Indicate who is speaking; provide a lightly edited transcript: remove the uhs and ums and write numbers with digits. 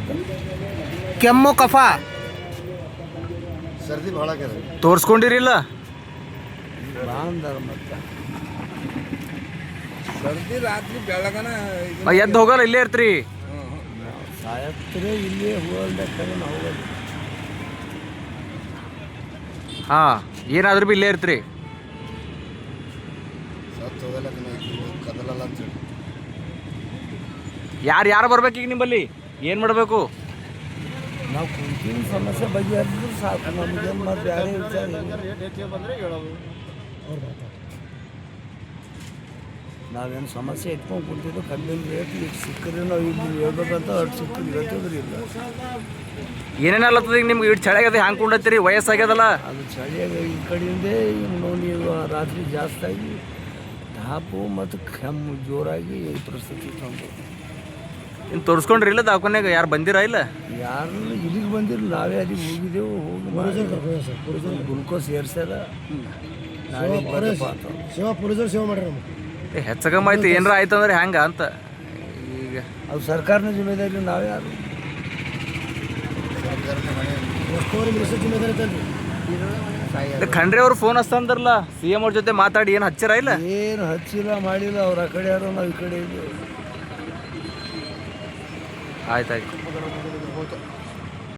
Speaker 1: ಕೆಮ್ಮು ಕಫ
Speaker 2: ಸರ್ದಿ ಭಾಳ ಆಗ್ಯದ.
Speaker 1: ತೋರಿಸ್ಕೊಂಡಿರಿಲ್ಲ?
Speaker 2: ಸರ್ದಿ ರಾತ್ರಿ ಬೆಳಗನ
Speaker 1: ಎದ್ದು ಹೋಗಲ್ಲ, ಇಲ್ಲೇ ಇರ್ತೀರಿ?
Speaker 2: ಸಾಯತ್ರೆ ಇಲ್ಲಿ ಹೋಗ್ಬೇಕಾದ್ರೆ ನಾವು ಹೋಗೋದು.
Speaker 1: ಹಾಂ, ಏನಾದ್ರೂ ಭೀ ಇಲ್ಲೇ ಇರ್ತೀರಿ?
Speaker 2: ಸತ್ತು ಹೋಗಲ್ಲ ಕದಲಲ್ಲ ಅಂತೇಳಿ.
Speaker 1: ಯಾರು ಬರ್ಬೇಕು ಈಗ ನಿಮ್ಮಲ್ಲಿ? ಏನು ಮಾಡಬೇಕು?
Speaker 2: ನಾವು ಕುಂತಿನ ಸಮಸ್ಯೆ ಬಗೆಹರಿದ್ರು ಸಾಕು. ನಮಗೆ ಮತ್ತು ಬೇರೆ ವಿಚಾರ ಬಂದರೆ ಹೇಳೋದು. ನಾವೇನು ಸಮಸ್ಯೆ ಇಟ್ಕೊಂಡು ಕುಂತಿದ್ದು ಕಬ್ಬಿನ ರೇಟ್ ಈಗ ಸಿಕ್ಕರೆ ನಾವು ಇಲ್ಲಿ ಹೇಳ್ಬೇಕಂತ ಅಷ್ಟು ಸಿಕ್ಕರೆ ಇವತ್ತಿದ್ರೆ ಇಲ್ಲ.
Speaker 1: ಏನೇನಲ್ಲತ್ತದ ಈಗ ನಿಮ್ಗೆ? ಇಟ್ಟು ಚಳಿ ಆಗ್ಯದ, ಹ್ಯಾಂಗೆ ಕೊಂಡತ್ತೀರಿ? ವಯಸ್ಸಾಗ್ಯದಲ್ಲ
Speaker 2: ಅದು ಚಳಿಯಾಗ ಈ ಕಡೆಯಿಂದೇ ನೀವು ರಾತ್ರಿ ಜಾಸ್ತಿ ಆಗಿ ತಾಪು ಮತ್ತು ಕೆಮ್ಮು ಜೋರಾಗಿ ಈ ಪರಿಸ್ಥಿತಿ ತಂದು.
Speaker 1: ಇನ್ನು ತೋರಿಸ್ಕೊಂಡ್ರಿ ಇಲ್ಲ ದವಾಖಾನ್ಯಾಗ? ಯಾರು ಬಂದಿರಾ ಇಲ್ಲ?
Speaker 2: ಯಾರು ಇಲ್ಲಿಗೆ ಬಂದಿರಲಿಲ್ಲ, ನಾವೇ ಅಲ್ಲಿಗೆ ಹೋಗಿದ್ದೆವು. ಹೋಗಿ ಗ್ಲುಕೋಸ್ ಏರ್ಸ್ಯಾರ. ಸೇವಾ ಪೊಲೀಸರು ಸೇವೆ ಮಾಡ್ಯಾರ.
Speaker 1: ಹೆಚ್ಚಗಮ್ಮ ಆಯ್ತು, ಏನಾರ ಆಯ್ತು ಅಂದ್ರೆ ಹೆಂಗೆ ಅಂತ ಈಗ?
Speaker 2: ಅದು ಸರ್ಕಾರನ ಜಿಮ್ಮೆದಾರಿ, ನಾವು ಯಾರು?
Speaker 1: ಖಂಡ್ರೆ ಅವ್ರು ಫೋನ್ ಹಚ್ತಂದ್ರಲ್ಲ, CM ಅವ್ರ ಜೊತೆ ಮಾತಾಡಿ ಏನು ಹಚ್ಚಿರ ಇಲ್ಲ?
Speaker 2: ಏನು ಹಚ್ಚಿಲ್ಲ, ಮಾಡಿಲ್ಲ. ಅವ್ರು ಆ ಕಡೆ ಯಾರು, ನಾವು ಈ ಕಡೆ ಇದ್ದೀವಿ.
Speaker 1: ಆಯ್ತಾಯ್ತು.